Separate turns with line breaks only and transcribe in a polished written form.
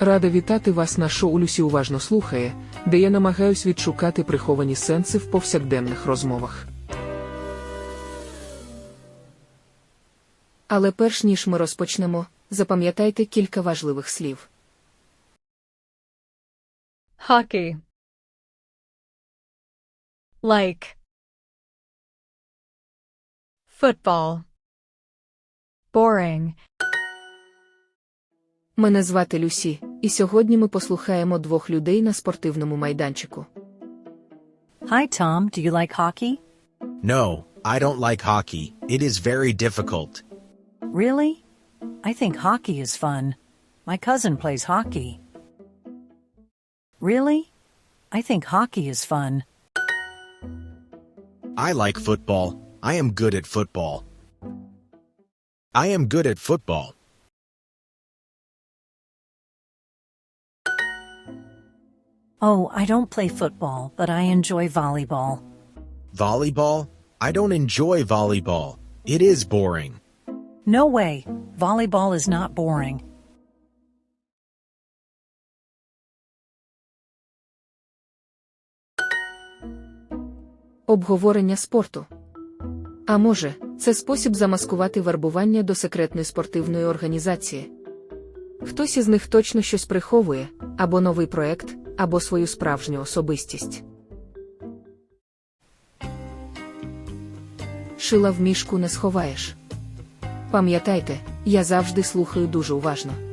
Рада вітати вас на шоу «Люсі уважно слухає», де я намагаюсь відшукати приховані сенси в повсякденних розмовах.
Але перш ніж ми розпочнемо, запам'ятайте кілька важливих слів.
Hockey. Like. Football. Boring.
Мене звати Люсі, і сьогодні ми послухаємо двох людей на спортивному майданчику.
Hi, Tom. Do you like hockey?
No, I don't like hockey. It is very difficult.
Really? I think hockey is fun. My cousin plays hockey. Really? I think hockey is fun.
I like football. I am good at football. I am good at football.
Oh, I don't play football, but I enjoy volleyball.
Volleyball? I don't enjoy volleyball. It is boring.
No way. Volleyball is not boring.
Обговорення спорту. А може, це спосіб замаскувати вербування до секретної спортивної організації. Хтось із них точно щось приховує, або новий проект, або свою справжню особистість. Шила в мішку не сховаєш. Пам'ятайте, я завжди слухаю дуже уважно.